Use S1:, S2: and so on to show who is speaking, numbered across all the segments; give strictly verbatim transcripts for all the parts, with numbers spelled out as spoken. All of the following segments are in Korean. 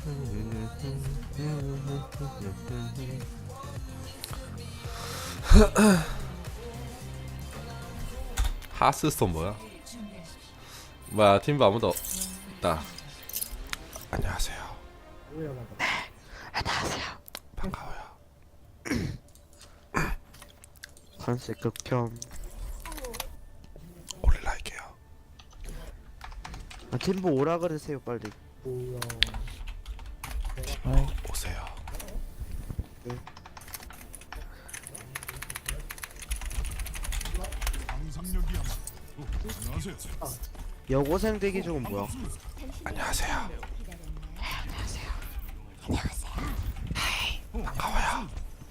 S1: 하스스톤 뭐야? 뭐야 팀부 아무도 없다. 안녕하세요.
S2: 네, 안녕하세요.
S1: 반가워요.
S2: 컨셉 극혐.
S1: 올릴라이게요.
S2: 아, 팀보 오라 그러세요 빨리.
S1: 어, 오세요.
S2: 네. 여고생 대기 중은 뭐야?
S1: 안녕하세요. 반가워요.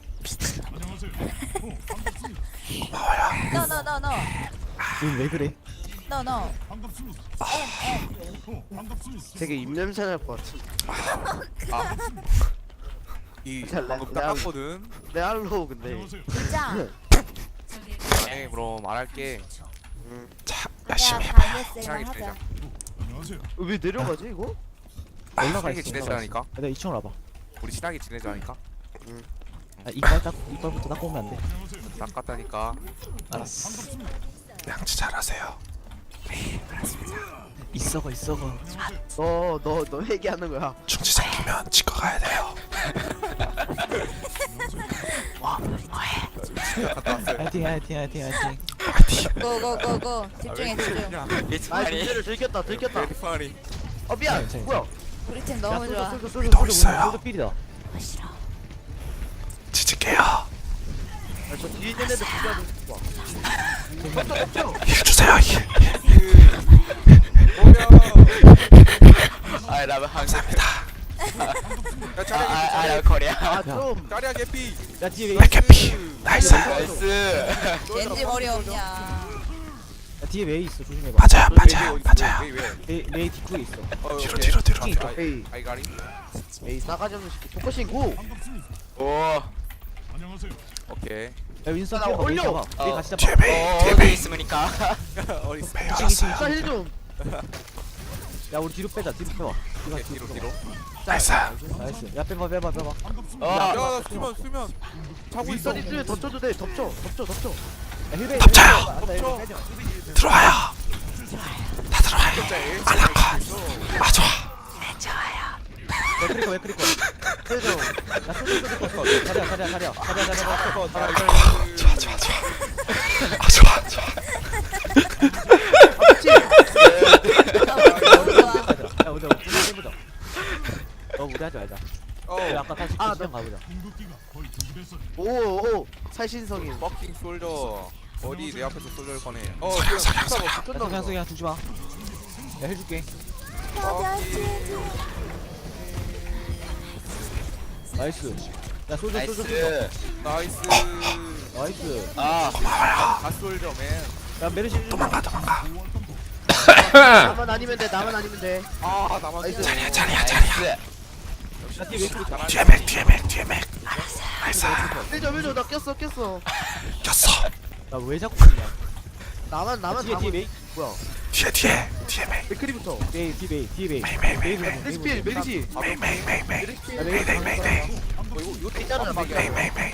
S1: 고마워요.
S3: No no no no
S2: 넌왜 그래?
S3: no no.
S2: 되게 입냄새 날 것 같아.
S4: 이
S2: 잘
S4: 방금
S2: 나-
S4: 닦았거든.
S2: 내 알로 근데.
S3: 진짜.
S4: 네, 그럼 말할게.
S1: 자,
S3: 내가
S1: 열심히 해봐요.
S3: 반대세만
S4: 친하게
S3: 하자.
S4: 지내자.
S2: 어, 왜 내려가지 이거?
S4: 친하게 지내자니까.
S5: 내가 이 층으로 와봐.
S4: 우리 친하게 지내자니까.
S5: 아, 이빨 딱 이빨부터 닦고 오면 안 돼.
S4: 닦았다니까.
S5: 알았어.
S1: 양치 잘하세요.
S5: 있어거 있어거.
S2: 너너 너 얘기하는 거야.
S1: 중지 생기면 치과 가야 돼요.
S5: 화이팅 화이팅 화이팅 화이팅.
S3: 고고고고 집중해 집중.
S2: 아 진짜를 들켰다 들켰다.
S4: 파리.
S2: 어 미안.
S5: 괜찮아,
S2: 뭐야?
S3: 우리 팀 너무 좋아.
S5: 쏠쏠 쏠쏠
S1: 위도 있어요.
S5: 쏠쏠 삘이다.
S1: 지질게요.
S2: 아, 저 뒤에 있는 애들 죽여야 돼.
S1: 힐 주세요. 힐.
S4: 아, 라면 한.
S1: 감사합니다.
S4: 야, 짜리야. 아, 라 코리아.
S2: 아 좀.
S4: 짜리야 개피.
S5: 야 뒤에 웨이.
S1: 백해피. 나이스.
S4: 나이스.
S3: 겐지 머리 없냐?
S5: 야 뒤에 웨이 있어 조심해봐.
S1: 맞아요. 맞아요. 맞아요.
S4: 왜 왜?
S5: 웨이 웨이 뒷구에 있어.
S4: 어,
S1: 뒤로
S4: 오케이.
S1: 뒤로 뒤로
S5: 킹
S1: 뒤로.
S5: 있다.
S2: 에이
S4: 아이 가리.
S2: 에이 싸가지 없는 새끼. 포커싱 고.
S4: 오. 오케이.
S5: 야 윈스턴
S2: 나
S5: 뛰어봐. 웨이
S2: 올려.
S5: 잡아. 웨이
S4: 어.
S5: 같이 잡아.
S1: 뒤에 메이. 뒤에 메이.
S4: 있으니까. 어디 있어?
S1: 메이
S2: 싸
S1: 왔어요.
S2: 힐 좀.
S5: 야 우리 뒤로 빼자. 뒤로 빼봐.
S4: 오케이, 뒤로 뒤로.
S1: 나이스.
S5: 나이스. 야 빼봐 빼봐 빼봐.
S4: 야, 야, 수면 수면. 자고 있어.
S2: 윗선이 뒤에 덮쳐도 돼. 덮쳐. 덮쳐 덮쳐.
S5: 야 힐베이.
S1: 덮쳐요.
S5: 덮쳐.
S1: 들어와요. 다 들어와요. 아나카. 아 좋아.
S5: 왜 크리커 왜 크리커.
S2: 힐 좀.
S5: 야 쏠쏠 쏠쏠 쏠쏠. 가랴 가랴 가랴 가랴 가랴 가랴.
S1: 좋아 좋아 좋아. 아 좋아 좋아.
S3: 너무 좋아.
S5: 야 우리 우리 해보자. 너 우리 하지 말자.
S4: 어.
S5: 야 아까 다시
S2: 아,
S5: 시장 가보자.
S2: 오오 살신성인.
S4: 버킹 솔저. 어디 내 앞에서 솔저를 꺼내. 어,
S1: 석양 석양 석양.
S5: 야 그냥 그냥 주지 마. 야 해줄게. 나이스. 야 솔져 솔져 솔져.
S4: 나이스.
S5: 나이스.
S4: 아,
S1: 고마워요.
S4: 다 솔저 맨.
S5: 야 메르시 좀.
S1: 도망가 도망가.
S2: 나만 아니면 돼. 나만 아니면 돼.
S4: 아, 나만.
S2: 나이스.
S1: 자리야 자리야 자리야.
S5: 야 뒤에 웨이 크리커.
S1: 뒤에 맥 뒤에 맥 뒤에 맥. 나이스.
S2: 힐 좀, 힐 좀. 나 꼈어, 꼈어.
S1: 꼈어.
S5: 나왜 자꾸 그러냐.
S2: 나만, 나만
S5: 뒤에
S2: 다
S5: 뒤에
S2: 보-
S5: 메이.
S2: 뭐야?
S1: 뒤에 뒤에 뒤에 맥.
S2: 맥크리부터.
S5: 메이 뒤에 메이 뒤에 메이.
S1: 메이 메이 메이 메이.
S2: 메리시 필, 메리시.
S1: 메이 메이 메이 메이.
S5: 야
S1: 메이
S5: 메이
S1: 메이 메이 메이.
S4: 어, 이거 이거
S2: 있잖아, 막.
S1: 메이 메이 메이.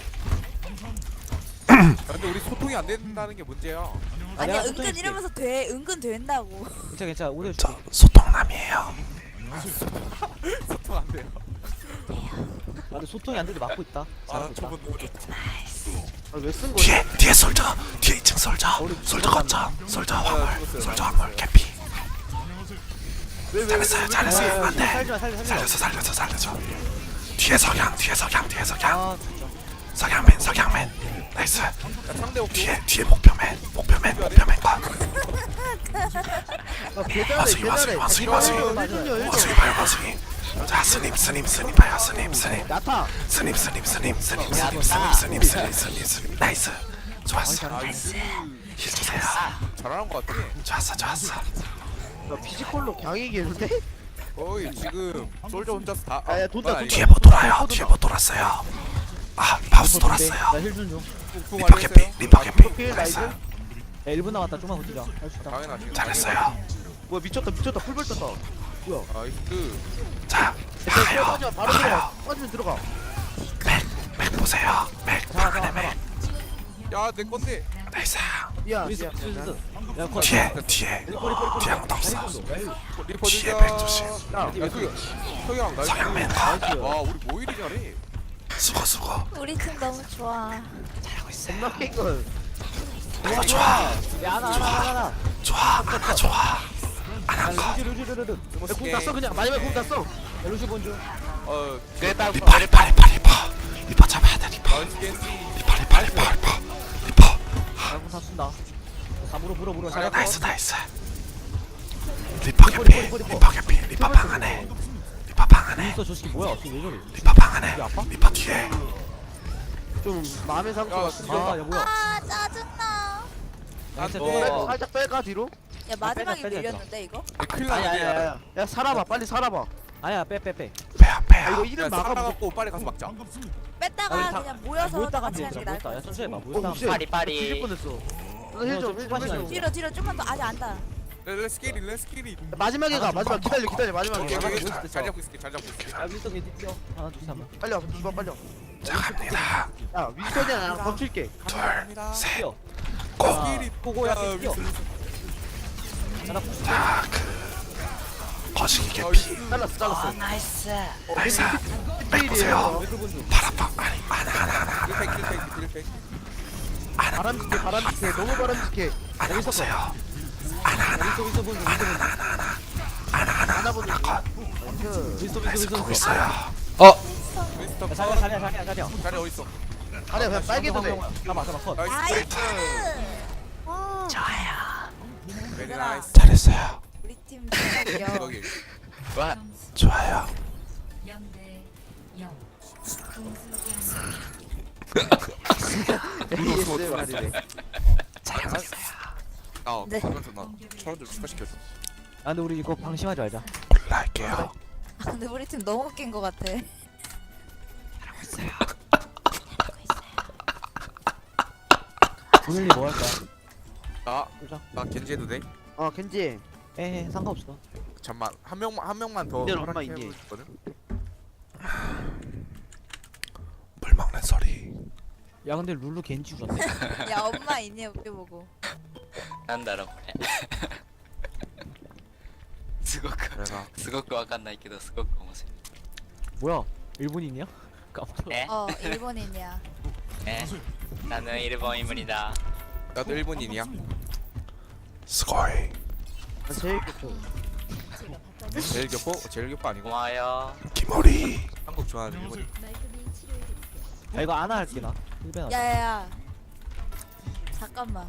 S4: 근데 우리 소통이 안 된다는 게 문제야.
S3: 아니야
S5: 내가
S3: 은근
S5: 소통해줄게.
S3: 이러면서 돼 은근 된다고.
S5: 괜찮아 괜찮아 오늘
S1: 저
S5: 줄게.
S1: 소통남이에요.
S4: 소통 안 돼요.
S5: 나도 소통이 안 돼도 막고 있다.
S4: 아,
S5: 잘하고 있다.
S4: 저분 너무 좋다.
S2: 아, 왜 쓴 거야?
S1: 뒤에 뒤에 솔저. 뒤에 이 층 솔저. 솔저 거점. 솔저 화물. 솔저 화물 개피.
S2: 왜, 왜, 왜,
S1: 잘했어요
S2: 왜,
S1: 잘했어요.
S2: 왜, 왜,
S1: 안돼.
S5: 살지마 살지마 살지마.
S1: 살려줘 살려줘 살려줘. 뒤에 석양 뒤에 석양 뒤에 석양.
S5: 아 진짜.
S1: 석양맨 석양맨. 나이스.
S4: 야, 상대 없고.
S1: 뒤에 뒤에 목표맨 목표맨 목표맨 거.
S2: 아, 계단에,
S1: 와수기
S2: 계단에.
S1: 와수기 와수기
S2: 아,
S1: 와수기.
S2: 힐 좀요, 힐
S1: 와수기
S2: 좀.
S1: 봐요 와수기. 자 스님 스님 스님 봐요 스님 스님.
S2: 야타.
S1: 스님 스님 스님 스님 스님 스님 스님 스님 스님 스님. 나이스. 좋았어.
S4: 나이스.
S1: 힐 주세요.
S4: 잘하는 것 같아.
S1: 좋았어 좋았어.
S2: 나 피지컬로 강이겠는데?
S4: 어이, 지금 솔저 혼자서 다.
S2: 아, 야, 돈다,
S4: 아니,
S1: 뒤에 못 돌아요. 뒤에 못 돌았어요. 아 바우스 돌았어요.
S5: 나힐좀 줘.
S4: 쿵쿵
S1: 리퍼 개피 리퍼 개피.
S2: 필,
S1: 나이스.
S2: 나이스.
S5: 야 일 분 남았다. 좀만 버티자. 할 수 있다.
S4: 당연하지.
S1: 잘했어요.
S2: 뭐야, 미쳤다, 미쳤다. 풀벌 떴다. 뭐야?
S4: 나이스.
S1: 자
S2: 야, 빠지마 바로 들어가. 빠지면 들어가.
S1: 맥 보세요. 맥
S5: 잡아 잡아 잡아.
S4: 야내 건데.
S1: 나이스.
S2: 미안.
S5: 윈스
S2: 미안.
S5: 윈스.
S2: 미안.
S5: 야 컷.
S1: 뒤에 뒤에
S5: 꼬리 꼬리 꼬리.
S1: 뒤에 아무도 없어.
S4: 리퍼
S1: 뒤에
S4: 들자.
S1: 맥 조심.
S2: 야,
S4: 야 그, 서양 나이스.
S1: 성향맨
S4: 와 우리 뭐 이리 잘해.
S1: 수고 수고.
S3: 우리 팀 너무 좋아.
S2: 겁나 깬 걸.
S1: 너무 좋아.
S5: 야 하나 하나 하나 하나.
S1: 좋아. 하나 좋아.
S5: 야 루시 루시 루시 루시.
S2: 공 땄어 그냥 마지막에 공 땄어.
S5: 야 루시 본주.
S4: 어
S1: 리파 리파 리파 리파 리파 잡아야 돼 리파.
S4: 나이스 겐지.
S1: 리파 리파 리파 리파 리파.
S5: 야공 다 쏜다. 다 물어 물어 물어. 잘
S1: 나이스 나이스. 리파 개피 리파 개피 리파 방 안에 리파 방 안에
S5: 윈스 저 새끼 뭐야? 지금 왜 저래?
S1: 리파 방 안에
S5: 이게 아파?
S1: 리파 뒤에.
S2: 좀 마음의 상처
S4: 야,
S2: 같은데.
S5: 아 야 뭐야?
S3: 아 짜증나.
S5: 나이스
S4: 어.
S5: 빼.
S2: 뺄까? 살짝 뺄까 뒤로?
S3: 야 마지막에
S5: 빼자, 빼자,
S3: 밀렸는데 이거?
S4: 큰일
S2: 아니
S4: 났네.
S2: 아니 아니. 야 살아봐 빨리 살아봐.
S5: 아야 빼 빼 빼.
S1: 빼야
S2: 아
S1: 빼야.
S2: 이거
S4: 야
S2: 이름 막아.
S4: 살아갖고 빨리 가서 막자.
S3: 뺐다가
S5: 아니, 다-
S3: 그냥 모여서
S5: 모였다
S3: 다 같이
S5: 가면
S3: 하는 게
S5: 되더라.
S3: 나을 것
S5: 모였다. 야
S3: 같아.
S5: 천천히 봐.
S2: 어,
S5: 모였다.
S2: 쉣.
S6: 파리, 파리.
S2: 뒤질 뻔했어.
S5: 어,
S2: 힐좀
S5: 좀
S2: 힐좀
S5: 빠지마,
S2: 힐좀.
S3: 뒤로 뒤로 좀만 더 아직 안다.
S4: 렛츠 기릿 렛츠 기릿.
S2: 마지막에 가 마지막 기다려 기다려 마지막에.
S4: 오케이
S2: 가.
S4: 오케이
S5: 모였을 때
S4: 잘
S5: 써.
S4: 잡고 있을게 잘 잡고 있을게.
S5: 야 윈스 걔 뛰어. 하나 둘 셋. 한번.
S2: 빨리 와 이봐 빨리 와.
S1: 자 갑니다.
S2: 야 윈스턴이야 나랑 덮칠게.
S4: 갑니다.
S1: 셋.
S5: 뛰어.
S1: 고.
S4: 기릿
S5: 고고야
S4: 야,
S5: 뛰어.
S4: 윈스.
S5: 하나 푸시.
S1: 자그 거시기
S4: 어,
S1: 개피.
S4: 윈스.
S2: 잘랐어 잘랐어.
S6: 나이스.
S1: 나이스. 맥 보세요.
S2: 필이에요.
S5: 왜 본주?
S1: 파라파 아니 하나 하나 하나
S4: 딜팩 딜팩 딜팩.
S2: 바람직해 바람직해 너무 바람직해.
S1: 하나 보세요.
S5: 윈스 윈스 본주 윈스 본주.
S2: 하나 보는 거.
S5: 윈스 윈스
S1: 나이스
S5: 윈스
S1: 보고
S5: 윈스.
S1: 있어요.
S4: 윈스턴
S5: 야 자리야 자리야 자리야 자리야.
S4: 자리 어디 있어?
S2: 아니야 그냥 빨개도 돼.
S5: 잡아 잡아 컷.
S4: 나이스.
S3: 나이스. 와,
S4: 베리 나이스.
S1: 잘했어요.
S3: 우리 팀 진짜 귀여워.
S4: 거기.
S6: 와.
S1: 좋아요.
S2: 에이에스 말이래.
S4: 아,
S3: 네.
S4: 그러면서 나 사람들 추가시켰어.
S5: 아 근데 우리 이거 방심하지 말자.
S1: 올라갈게요.
S3: 아, 근데 우리 팀 너무 웃긴 것 같아.
S5: 오늘이 뭐 할까?
S4: 나,
S5: 보자.
S4: 나 겐지 해도 돼?
S2: 어 겐지.
S5: 에 상관없어.
S4: 잠만 한 명만 한 명만 더.
S2: 이제 엄마
S4: 허락해
S2: 있니?
S4: 보거든?
S1: 물 먹는 소리.
S5: 야 근데 룰루 겐지 주었네.
S3: 야 엄마 있니 웃겨보고.
S6: なんだろうこれすごく
S4: 내가
S6: すごくわかんないけどすごく面白
S5: 뭐야? 일본인이야? 깜짝.
S6: いえ
S3: 어 일본인이야.
S6: え나는일본인물이다
S4: 나도 일본인이야.
S1: 스고이.
S2: 아, 제일 좋죠.
S4: 제일 교포? 제일 교포 아니고
S6: ごまよ
S1: 기모리.
S4: 한국 좋아하는 일본인.
S5: 야 이거 안나 할게 나. 일ben 하자.
S3: 야야야. 잠깐만.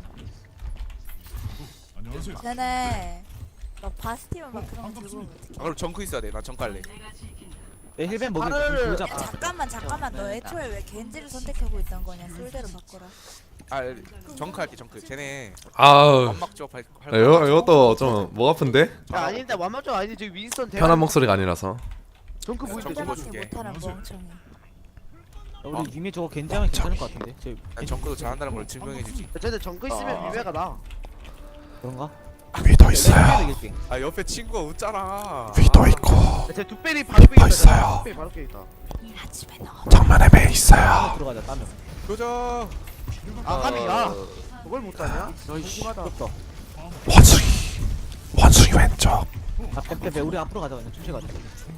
S3: 쟤네 막 바스티만 막 그런 거 들고 오면 어떡해.
S4: 아 그럼 정크 있어야 돼. 나 정크 할래.
S5: 내 힐벤 먹을
S2: 팔을-
S5: 보자.
S3: 야 잠깐만 잠깐만 너 애초에 왜 겐지를 선택하고 있던 거냐. 솔대로 바꿔라.
S4: 아 정크 할게 정크. 쟤네
S1: 아우.
S4: 완막 조합 할. 할
S1: 이거
S4: 거야.
S1: 이것도 좀 목 아픈데?
S2: 야 아닌데 완막좀 아니지 저기 윈스턴 대박.
S1: 편한 목소리가 아니라서.
S2: 정크 보이는
S4: 정크
S3: 그때밖에
S4: 보여줄게.
S3: 못하는 멍청이.
S5: 우리 유미 저거 겐지하면 괜찮을 것 같은데. 저
S4: 난 정크도 잘한다는 걸 증명해주지.
S2: 쟤네 정크 있으면 위메가 나.
S5: 그런가?
S1: 위도 있어요.
S5: 이길게.
S4: 아 옆에 친구가 웃잖아.
S1: 위도 있고
S2: 쟤 두 배리 바로 깨 있다.
S1: 있어요.
S2: 두 배리 바로 깨 있다.
S3: 나 집에 넣어.
S1: 정면에 배
S5: 따면
S1: 있어요.
S5: 들어가자 따면.
S4: 도전.
S2: 아 까비야. 그걸 못하냐?
S5: 심하다. 없어.
S1: 원숭이. 원숭이 왼쪽.
S5: 아 빼빼빼 우리 앞으로 가자 그냥 천천히 가자.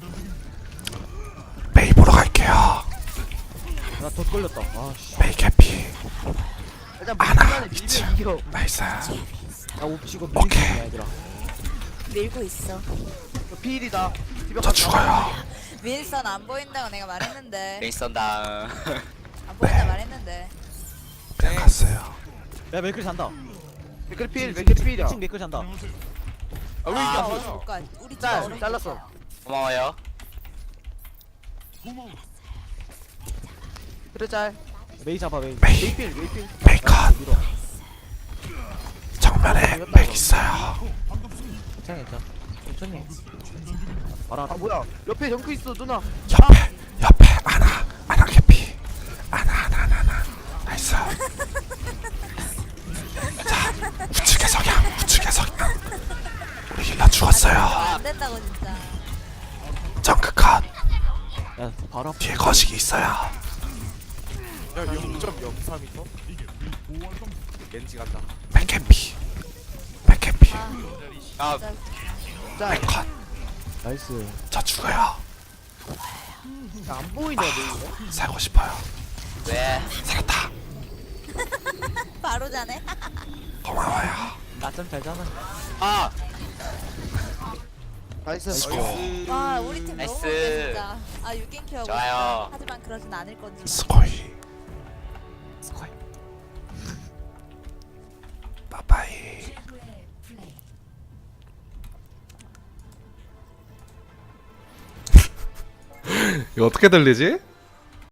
S1: 메이 보러 갈게요.
S5: 나덧 걸렸다. 아씨.
S1: 메이 개피.
S2: 일단
S1: 아나,
S2: 무난해
S1: 미치.
S2: 밀면 이겨.
S1: 나이스.
S5: 나 옵치고
S1: 오케이.
S5: 밀리는 얘들아.
S3: 밀고 있어.
S2: 피일이다.
S1: 저 죽어요.
S3: 윈선 안 보인다고 내가 말했는데.
S6: 윈스턴 다운
S3: 안 보인다 말했는데.
S1: 그냥 갔어요.
S5: 야 맥클 잔다.
S2: 맥클 피일 맥클 피일이야.
S5: 층 맥클 잔다.
S4: 아왜 이게
S3: 아
S4: 안
S3: 어디
S4: 보여?
S3: 못 가. 우리 집
S2: 짤,
S3: 어디
S2: 잘랐어.
S3: 못 가.
S6: 고마워요
S2: 그래 짤.
S5: 메이 잡아 메이.
S1: 메이.
S2: 메이필 메이필.
S1: 메이 컷.
S5: 밀어.
S1: 정면에 맥 있어요.
S5: 괜찮아 괜찮아. 천천히. 봐라.
S2: 아 뭐야? 옆에 정크 있어 누나.
S1: 옆에 옆에 아나 아나 개피. 아나 아나 아나 아나. 나이스. 자 우측의 성향 우측의 성향. 우리 힐러 죽었어요.
S3: 안 된다고 진짜.
S1: 정크 컷.
S5: 야 바로 앞
S1: 뒤에 거식이 있어요.
S4: 야 영 점 영삼 미터? 겐지 간다.
S1: 백해피 백해피
S6: 아
S2: 자,
S1: 백컷.
S5: 나이스.
S1: 저 죽어요.
S2: 안 보이네 너 이거.
S1: 살고 싶어요.
S6: 왜?
S1: 살았다.
S3: 바로 자네.
S1: 고마워요.
S5: 낮잠 잘 자나?
S6: 아
S2: 나이스.
S1: 수고.
S3: 와 우리 팀 너무
S6: 나이스.
S3: 못해 진짜. 아 유겐큐 하고
S6: 좋아요.
S3: 있다. 하지만 그러진 않을 건지.
S1: 스코이. 스코이. 빠빠이. 이거 어떻게 들리지?